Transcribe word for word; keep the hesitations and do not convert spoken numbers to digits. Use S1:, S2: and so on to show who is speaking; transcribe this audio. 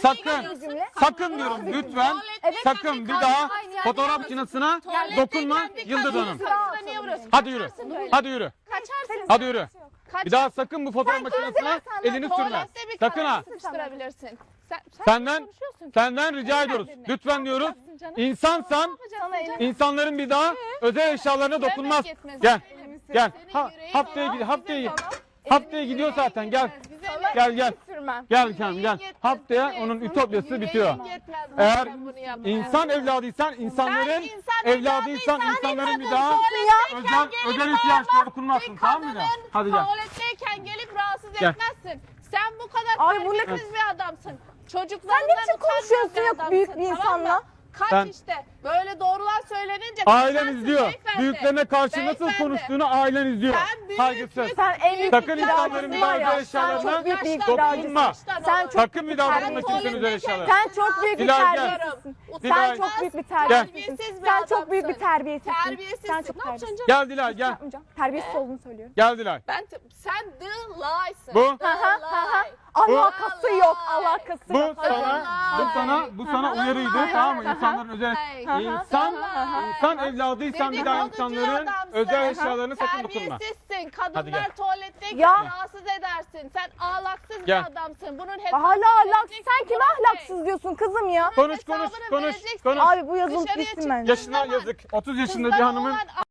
S1: sakın, sakın diyorum lütfen, sakın bir daha fotoğraf makinesine dokunma Yıldız Hanım. Hadi yürü, hadi yürü,
S2: Kaçarsın.
S1: hadi yürü. Bir daha sakın bu fotoğraf makinesine elini sürme.
S2: Tuvalette bir
S1: Sakın ha.
S2: kere sıkıştırabilirsin. Sen, sen
S1: Senden,
S2: konuşuyorsun ki.
S1: senden rica
S2: Sen
S1: ediyoruz.
S2: dinle.
S1: Lütfen diyoruz.
S2: Yapacaksın canım.
S1: İnsansan
S2: Sana elini-
S1: insanların bir daha özel eşyalarına dokunmaz.
S2: yetmez.
S1: Gel,
S2: Senin
S1: gel.
S2: yüreğin
S1: Ha,
S2: yok.
S1: haftaya gidiyor, haftaya haftaya gidiyor zaten. Gel, gel, gel.
S2: Sürmem.
S1: Gel canım gel. Haftaya onun ütopyası bitiyor. Eğer insan evladıysan, insanların evladıysan, insanların bir daha özel özel ihtiyaçlara dokunmazsın, tamam mı? Hadi gel.
S2: Tuvaletteyken gelip rahatsız
S1: Gel.
S2: etmezsin. Sen bu kadar
S3: Ay, bu ne-
S2: terbiyesiz bir adamsın. Çocuklarından
S3: Sen ne biçim
S2: utanmayan
S3: konuşuyorsun ya
S2: adamsın,
S3: büyük bir
S2: tamam mı?
S3: insanla?
S2: Kaç
S1: Ben-
S2: işte. Böyle doğrular söylenince
S1: Ailen
S2: kaçarsın
S1: izliyor.
S2: beyefendi.
S1: Büyüklerine karşı nasıl
S2: Beyefendi.
S1: konuştuğunu ailen izliyor.
S2: Sen büyük
S1: Saygısız.
S2: müsün?
S3: Sen en büyük
S1: Sakın
S3: bir
S1: insanların bir daha özel eşyalarına
S3: çok büyük bir
S1: dokunma.
S3: Sen çok
S1: Sakın bir daha
S3: Sen
S1: dokunma kimsenin özel eşyalarına.
S3: Sen çok büyük bir
S1: Dilay, gel.
S3: terbiyesizsin.
S1: Dilay.
S3: Sen çok büyük bir
S1: Gel.
S3: terbiyesizsin.
S2: Terbiyesiz bir
S3: Sen çok büyük bir
S2: adamsın.
S3: terbiyesizsin.
S2: Terbiyesizsin.
S3: Sen çok
S2: Ne yapacaksın
S3: terbiyesizsin.
S2: canım?
S1: Gel Dilay gel.
S3: Yapmayacağım. Terbiyesiz olduğunu söylüyorum.
S1: Gel Dilay.
S2: Ben te- sen the lie'sın.
S1: Bu-
S2: The
S3: Hı hı, hı hı.
S2: lie.
S3: Alakası yok, alakası
S1: Bu
S3: yok.
S1: sana, bu sana, bu sana uyarıydı, tamam mı? İnsanların özel, insan, insan evladıysan bir daha insanların özel eşyalarını sakın dokunma.
S2: Terbiyesizsin.
S1: Hadi
S2: Kadınlar
S1: gel.
S2: tuvaletteyken
S3: Ya.
S2: rahatsız edersin. Sen ahlaksız
S1: Gel.
S2: bir adamsın. Bunun hesabını
S3: Hala ahlaksız.
S2: vereceksin
S3: Sen kime
S2: Murat Bey.
S3: ahlaksız diyorsun kızım ya?
S1: Konuş konuş
S2: Hesabını
S1: konuş
S2: vereceksin.
S1: konuş.
S3: Abi bu yazılıp
S2: Dışarıya
S3: gitsin bence.
S1: Yaşına yazık. otuz yaşında bir
S2: Kızlara
S1: hanımın
S2: olan